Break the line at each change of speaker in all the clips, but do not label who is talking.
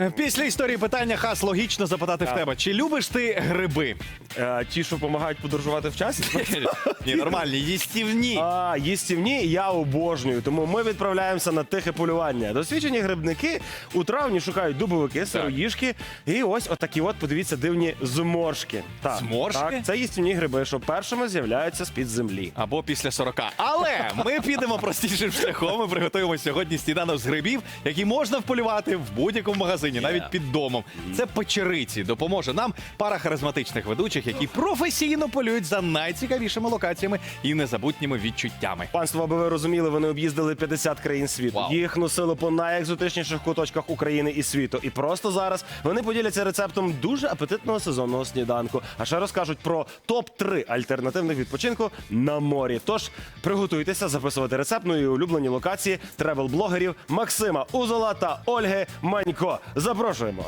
Після історії питання, Хас, логічно запитати в тебе. Чи любиш ти гриби?
Ті, що допомагають подорожувати в часі?
Ні, нормальні, їстівні.
Їстівні я обожнюю, тому ми відправляємося на тихе полювання. Досвідчені грибники у травні шукають дубовики, сироїжки і ось отакі от, подивіться, дивні зморшки. Так,
Зморшки?
Так, це їстівні гриби, що першими з'являються з-під землі.
Або після 40. Але ми підемо простішим шляхом. Ми приготуємо сьогодні сніданок з грибів, які можна вполювати в будь-якому магазині, навіть під домом. Це печериці. Допоможе нам пара харизматичних ведучих, які професійно полюють за найцікавішими локаціями і незабутніми відчуттями.
Панство, аби ви розуміли, вони об'їздили 50 країн світу.
Вау.
Їх носили по найекзотичніших куточках України і світу. І просто зараз вони поділяться рецептом дуже апетитного сезонного сніданку. А ще розкажуть про топ-3 альтернативних відпочинку на морі. Тож приготуйтеся записувати рецепт і улюблені локації тревел-блогерів Максима Узола та Ольги Манько. Запрошуємо.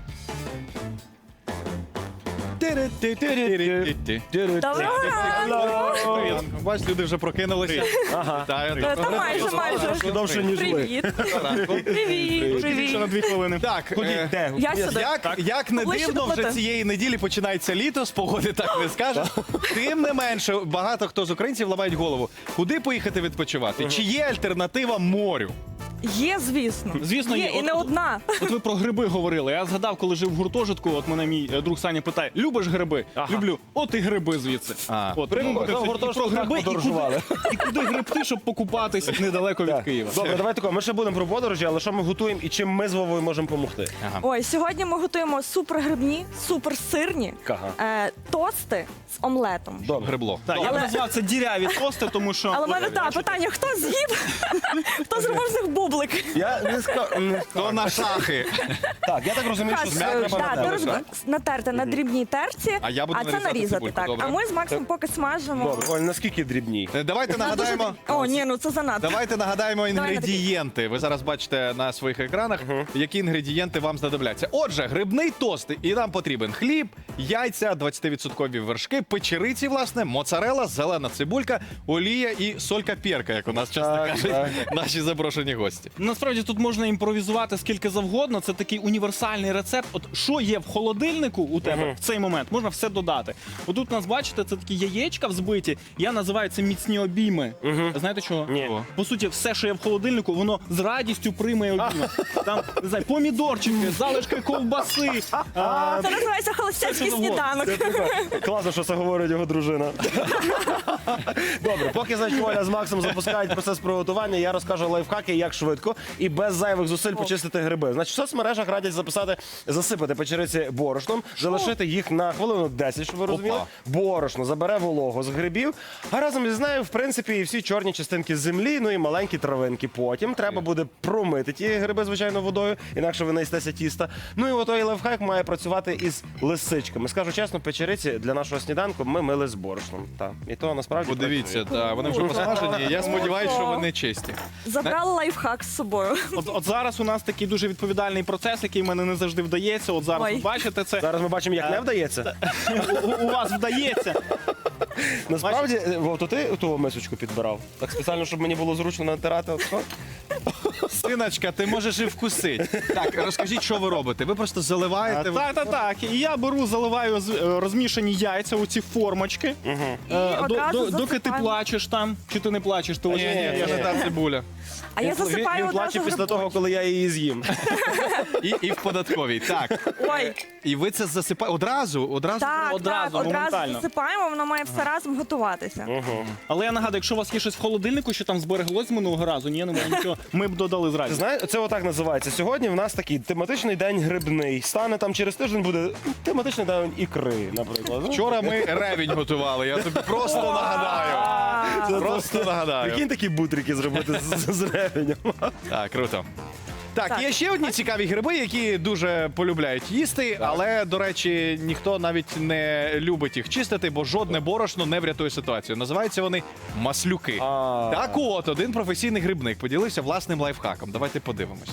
Доброго ранку!
Бач, люди вже прокинулися.
Ага.
Вітаю.
Та майже.
Довше, ніж ви.
Привіт. Привіт. Привіт.
2 хвилини.
Так,
Де?
Я сюди.
як не
Поближче
дивно,
до
вже
плити.
цієї неділі починається літо, з погоди так не скажеш. Тим не менше, багато хто з українців ламають голову. Куди поїхати відпочивати? Чи є альтернатива морю?
Є, звісно.
Звісно,
є.
є.
І не одна.
От ви про гриби говорили. Я згадав, коли жив в гуртожитку, от мене мій друг Саня питає: любиш гриби?
Ага.
Люблю. От і гриби звідси. От
Прикольно.
тому
В гуртожитку
і про
так
гриби,
подорожували.
і куди грибти, щоб покупатись недалеко від Києва.
Добре, давай тако. Ми ще будемо про подорожі, але що ми готуємо і чим ми з Вовою можемо допомогти?
Ой, сьогодні ми готуємо супергрибні, суперсирні тости з омлетом.
Добре.
Грибло.
Так, я б назвав це діряві тости, тому що
Але в мене так, питання, хто з'їв? Хто зробив з них бублик?
Я не скажу.
То на шахи.
Так, я так розумію, що з м'ясом треба
ти
натерти.
натерти на дрібній терці,
А я буду
це
нарізати
нарізати.
цибульку,
Так.
добре.
А ми з Максом поки смажимо.
Добре, Оль, наскільки дрібній?
Давайте нагадаємо.
О, ні, ну це занадто.
Давайте нагадаємо
Давай на такий.
інгредієнти. Ви зараз бачите на своїх екранах, які інгредієнти вам знадобляться. Отже, грибний тост. І нам потрібен хліб, яйця, 20% вершки, печериці, власне, моцарела, зелена цибулька, олія і солька-перка, як у нас часто
Так,
кажуть
так.
наші запрошені гості.
насправді тут можна імпровізувати скільки завгодно. Це такий універсальний рецепт. От що є в холодильнику у тебе в цей момент, можна все додати. Отут у нас, бачите, це такі яєчка взбиті. Я називаю це міцні обійми. Знаєте чого?
Ні.
По суті, все, що є в холодильнику, воно з радістю прийме обійми. Там, не знаю, помідорчики, залишки ковбаси.
Це називається холостяцький
Це що
сніданок.
Класно, що це говорить його дружина. Добре, поки, значить, Оля з Максом запускають процес приготування, я розкажу лайфхаки, як швидко і без зайвих зусиль почистити гриби. Значить, в соцмережах радять засипати печериці борошном, залишити їх на хвилину 10, щоб ви розуміли.
Опа.
Борошно забере вологу з грибів, а разом із нею, в принципі, і всі чорні частинки землі, ну і маленькі травинки. Потім треба буде промити ті гриби, звичайно, водою, інакше ви наїстеся тіста. Ну і отой лайфхак має працювати із лисичками. Скажу чесно, печериці для нашого сніданку ми мили з борошном. Так. І то насправді
Подивіться, вони вже посмажені. Я сподіваюся, що вони чисті.
Забрали лайфхак з собою.
От зараз у нас такий дуже відповідальний процес, який в мене не завжди вдається. От зараз
Ой.
ви бачите це.
Зараз ми бачимо, як не вдається.
У вас вдається.
Насправді, Вов, то ти ту мисочку підбирав? Так спеціально, щоб мені було зручно натирати. От що?
Синочка, ти можеш і вкусити. Так, розкажіть, що ви робите? Ви просто заливаєте.
Так. І я беру, заливаю розмішані яйця у ці формочки.
одразу
Доки ти
засипаємо.
плачеш там, чи ти не плачеш, ти
Ні,
лише
я не та цибуля.
А я засипаю
Він плаче
одразу
після того,
грибочки.
коли я її з'їм.
І в податковій. Так.
Ой,
І ви це засипаєте одразу?
так,
одразу,
одразу
моментально.
засипаємо, воно має все разом готуватися.
Але я нагадую, якщо у вас є щось в холодильнику, що там збереглось з минулого разу, ні, немає нічого, ми б додали
Ти
зразу.
знаєш, це отак називається. Сьогодні в нас такий тематичний день грибний. Стане там через тиждень буде тематичний день ікри, наприклад. Ну,
Вчора ми ревінь готували, я тобі просто нагадаю. Просто нагадаю.
Прикинь такі бутрики зробити з ревенем.
Так, круто. Так,
Так.
є ще одні цікаві гриби, які дуже полюбляють їсти, але, до речі, ніхто навіть не любить їх чистити, бо жодне борошно не врятує ситуацію. Називаються вони маслюки. Так от, один професійний грибник поділився власним лайфхаком. Давайте подивимося.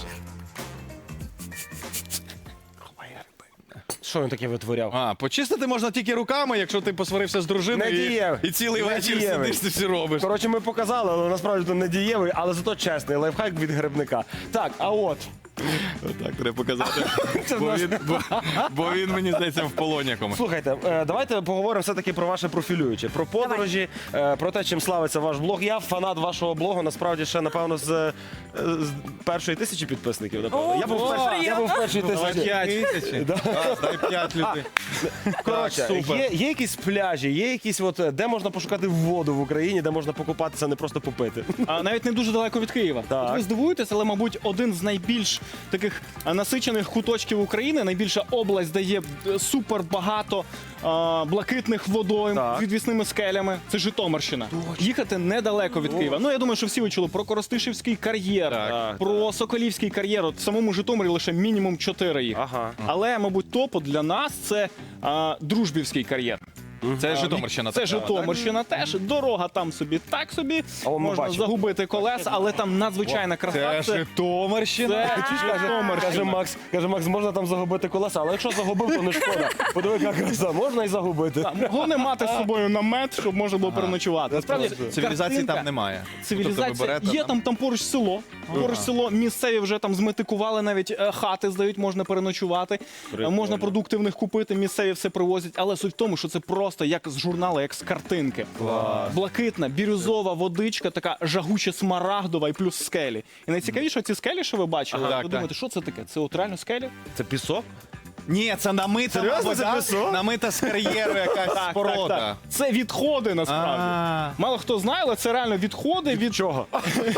Що він таке витворяв?
Почистити можна тільки руками, якщо ти посварився з дружиною
Недієвий.
і цілий вечір
Недієвий.
сидиш, ти все робиш.
Коротше, ми показали, але насправді то не дієвий, але зато чесний лайфхак від грибника. Так, а от
Так, треба показати. Бо він, мені здається, в полоні якомусь.
Слухайте, давайте поговоримо все-таки про ваше профілююче, про подорожі, про те, чим славиться ваш блог. Я фанат вашого блогу, насправді ще, напевно, з першої 1000 підписників. Напевно.
О,
Я був в першій
Давай
1000.
5 тисяч. Дай 5 людей.
Коротше,
супер.
є якісь пляжі, є якісь, де можна пошукати воду в Україні, де можна покупатися, не просто попити.
А навіть не дуже далеко від Києва.
Так.
От ви здивуєтесь, але, мабуть, один з найбільш таких насичених куточків України, найбільша область, де є супер багато блакитних водойм
Так.
з відвісними скелями. Це Житомирщина. Їхати недалеко від Києва. Ну, я думаю, що всі ви чули про Коростишівський кар'єр,
Так,
про Соколівський кар'єр. От в самому Житомирі лише мінімум 4 їх.
Ага.
Але, мабуть, топу для нас це Дружбівський кар'єр.
Це Житомирщина.
Це
така,
Житомирщина теж. Дорога там собі так собі.
А ми
Можна
бачимо.
загубити колеса, але там надзвичайна
так?
краса.
Це Житомирщина.
Це Житомирщина.
Каже Макс, можна там загубити колеса, але якщо загубив, то не шкода. Подиви, яка краса, можна і загубити.
Головне мати з собою намет, щоб можна було переночувати. Насправді,
Цивілізації
картинка-
там немає.
Цивілізація
Тобто ви берете
є там поруч село. Поруч село місцеві вже там зметикували, навіть хати здають, можна переночувати. Можна продукти в них купити, місцеві все привозять. Але суть в тому, що це просто як з журналу, як з картинки. Блакитна, бірюзова водичка, така жагуче смарагдова і плюс скелі. І найцікавіше, ці скелі, що ви бачили,
Ага.
ви
Так,
думаєте, що це таке? Це от реально скелі?
Це пісок?
Ні, це намита
Серйозно, це
вода,
пісок?
намита з кар'єру якась споруда.
Це відходи насправді.
А.
Мало хто знає, але це реально відходи від
Чого?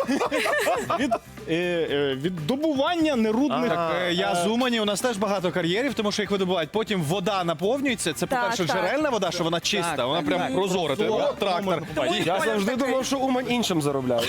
від добування нерудних.
Так, я з Умані, у нас теж багато кар'єрів, тому що їх видобувають. Потім вода наповнюється. Це,
Так,
по-перше,
так.
джерельна вода, що вона чиста,
Так,
вона
так,
прям
так.
прозора.
Прозора.
Трактор.
Я завжди
такий.
думав, що Умань іншим заробляє.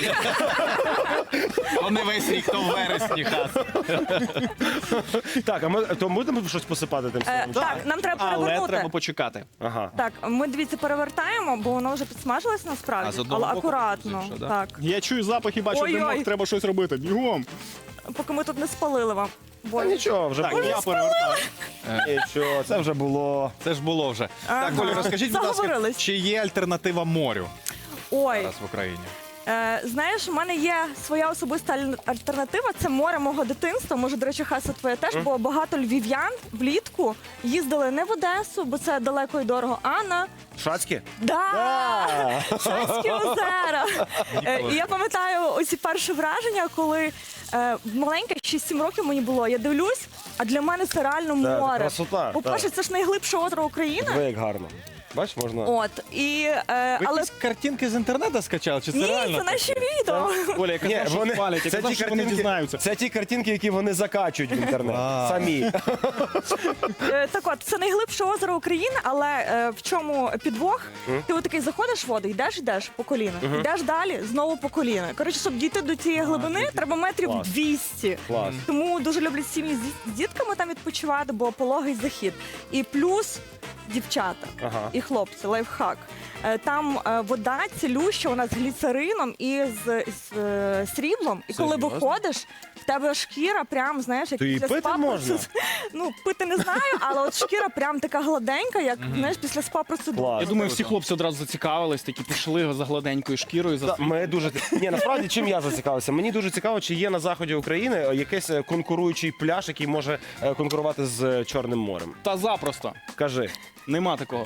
Вони весь рік, то в вересні хас.
Так, а ми то будемо щось посипати тим самим?
Так, нам треба
Але
перевернути.
треба почекати.
Ага.
Так, ми дивіться, перевертаємо, бо воно вже підсмажилось
А,
насправді,
з одного
але
боку
акуратно.
вже, да?
Так,
Я чую запах і бачу
Ой-ой.
димок, треба щось робити. Бігом.
поки ми тут не спалили вам.
Та нічого, вже
Так,
було.
я перевертаю.
Нічого, це вже було.
Це ж було вже.
Ага.
Так, Олі, розкажіть, будь ласка,
Заговорились.
чи є альтернатива морю
Ой,
зараз в Україні?
знаєш, у мене є своя особиста альтернатива. Це море мого дитинства. Може, до речі, Хаса твоє теж, бо багато львів'ян влітку їздили не в Одесу, бо це далеко і дорого, а на
Шацькі?
Шацькі озера. І я пам'ятаю оці перші враження, коли маленька, 6-7 років мені було. Я дивлюсь, а для мене це реально
Так,
море.
красота,
По-перше, це ж найглибше озеро України.
Ви як гарно. Бачиш, можна.
От і
Ви
але
якісь картинки з інтернету скачали, чи це
ні,
реально?
це наші відео.
Оля, я казав, що спалять, я казав, що вони дізнаються.
Це ті картинки, які вони закачують в інтернет. Самі.
Так от, це найглибше озеро України, але в чому підвох? Ти отакий заходиш в воду, йдеш по коліна, йдеш далі, знову по коліна. Коротше, щоб дійти до цієї глибини, треба метрів
Клас.
200.
Клас.
Тому дуже люблять сім'ї з дітками там відпочивати, бо пологий захід. І плюс дівчата
Ага.
і хлопці, лайфхак. Там вода цілюща, вона з гліцерином і з сріблом. І коли
Серйозно?
виходиш, в тебе шкіра прям, знаєш, як
То її
після
пити
спа
можна?
Ну, пити не знаю, але от шкіра прям така гладенька, як, знаєш, після спа-процедури.
Клас.
Я думаю, всі хлопці одразу зацікавились, такі пішли за гладенькою шкірою. За...
Ми дуже ні, насправді чим я зацікавився? Мені дуже цікаво, чи є на заході України якийсь конкуруючий пляж, який може конкурувати з Чорним морем.
Та запросто.
Кажи.
Нема такого.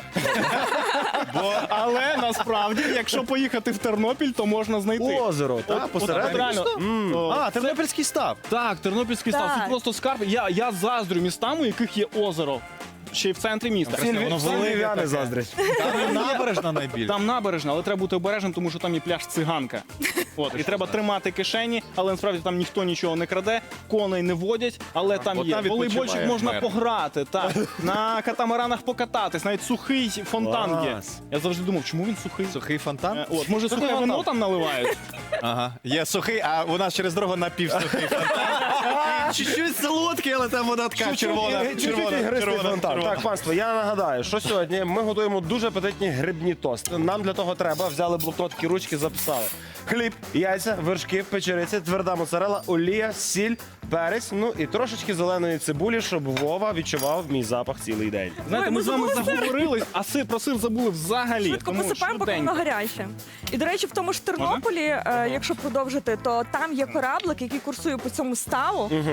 Але насправді, якщо поїхати в Тернопіль, то можна знайти.
Озеро, так,
От
посередині.
реально,
А, Тернопільський став.
Так, Тернопільський став.
Так.
Це просто скарб. Я заздрю містам, у яких є озеро. Ще й в центрі міста.
воно
Всі
велике
львів'яни
таке.
заздрять.
Там набережна найбільше.
Там набережна, але треба бути обережним, тому що там є пляж циганка. От, і треба тримати кишені, але насправді там ніхто нічого не краде, коней не водять, але там
от
є
там
волейбольчик,
відпочиває
можна
мер.
пограти, так, на катамаранах покататись, навіть сухий фонтан є.
Клас.
Я завжди думав, чому він сухий?
Сухий фонтан?
От, може, сухе
фонтан.
вино там наливають?
Ага. Є сухий, а у нас через дорогу напівсухий фонтан. Чуть-чуть солодкий, але там вода така червона.
Чуть-чуть ігристий фонтан. Так, панство, я нагадаю, що сьогодні ми готуємо дуже апетитні грибні тости. Нам для того треба, взяли блокнотки, ручки, записали. Хліб, яйця, вершки, печериці, тверда моцарела, олія, сіль, перець, ну і трошечки зеленої цибулі, щоб Вова відчував мій запах цілий день.
Знаєте,
Ой,
ми
ми
з вами
забули сир.
заговорились, а про сир забули взагалі.
Швидко
тому
посипаємо, поки воно
швиденько.
гаряче. І, до речі, в тому ж Тернополі, якщо продовжити, то там є кораблик, який курсує по цьому ставу.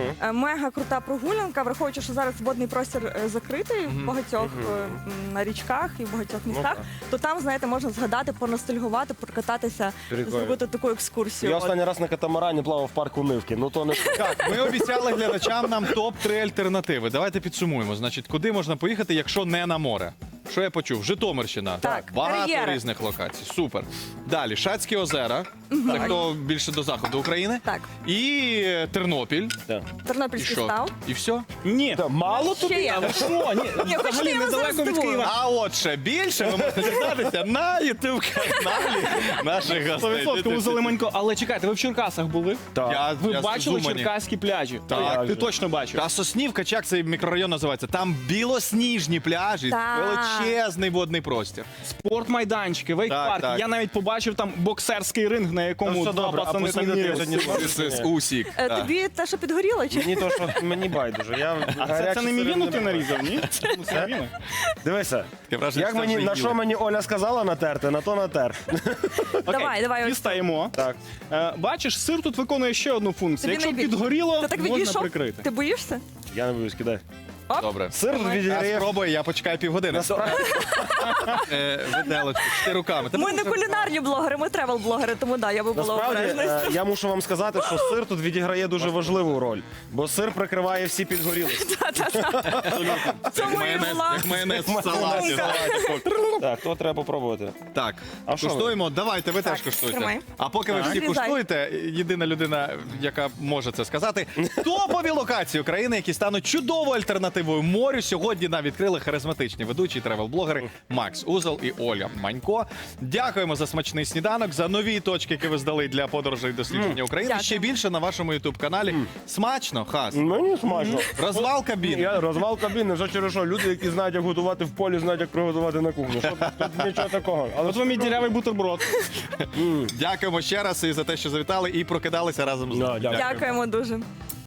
Мега крута прогулянка, враховуючи, що зараз водний простір закритий в багатьох на річках і в багатьох містах, то там, знаєте, можна згадати, поностальгувати, прокататися,
Прикольно.
зробити таку екскурсію.
Я
От.
останній раз на катамарані плавав в парку Нивки. Ну то не
Так, ми обіцяли глядачам нам топ-3 альтернативи. Давайте підсумуємо. Значить, куди можна поїхати, якщо не на море? Що я почув? Житомирщина.
Так,
Багато
кар'єри.
різних локацій. Супер. Далі, Шацькі озера. Це хто більше до заходу України.
Так.
І Тернопіль.
Так.
І
Тернопільський
що?
став.
І все?
Ні,
Мало
Ще
тобі?
є.
але що? Ні,
хочете,
взагалі
я вас зараз
недалеко від
здивую?
Києва.
А от ще більше ви можете дізнатися на ютуб-каналі наших гостей.
100% у Зелеманько. Але чекайте, ви в Черкасах були?
Так.
Ви
Я
бачили
з Умані.
черкаські пляжі?
Так.
Ти точно бачив.
Та Соснівка, чи як цей мікрорайон називається? Там білосніжні пляжі,
Так.
величезний водний простір.
Спортмайданчики, вейк-парк.
так.
Я навіть побачив там боксерський ринг, на якому
все
два
добре, а
пацани там
поснідати
міряли.
сьогодні
З Усік. так.
Тобі те, що підгоріло, чи?
Мені то, що мені байдуже. Я
А це не мівіну ти нарізав, ні? Це мівіну.
Дивися,
Таке враження,
як
що
мені,
вже
на
їли.
що мені Оля сказала натерти, на то натер.
Давай, ось.
Дістаємо.
Так.
Бачиш, сир тут виконує ще одну функцію.
Тобі
Якщо
найбільше.
підгоріло,
Ти так
можна
відійшов?
прикрити.
Ти боїшся?
Я не боюсь, кидай.
Добре.
Сир
Давай.
Я
відіграє.
спробую, я почекаю півгодини.
Насправді,
Виделочку, ти руками. Ти
Ми
можеш
не кулінарні блогери, ми тревел-блогери, тому да, я би була
насправді
обережна.
я мушу вам сказати, що сир тут відіграє дуже важливу роль, бо сир прикриває всі підгорілості.
В цьому і
майонез,
була.
як майонез в салаті.
Так, то треба попробувати.
Так,
А що ви?
куштуємо. Давайте, ви
Так,
теж куштуйте.
тримай.
А поки ви всі
Зрізай.
куштуєте, єдина людина, яка може це сказати, топові локації України, які стануть чудовою альтернативою морю, сьогодні нам відкрили харизматичні ведучі тревел-блогери Макс Узел і Оля Манько. Дякуємо за смачний сніданок, за нові точки, які ви здали для подорожей і дослідження України.
Дякую.
Ще більше на вашому ютуб-каналі. Смачно, Хас.
Мені смачно.
Розвал кабін.
Я розвал кабіни, вже через що люди, які знають, як готувати в полі, знають, як приготувати на кухні. Що тут нічого такого. Але
От вам і дірявий бутерброд.
Дякуємо ще раз і за те, що завітали і прокидалися разом з нами.
Да, дякую.
Дякуємо дуже.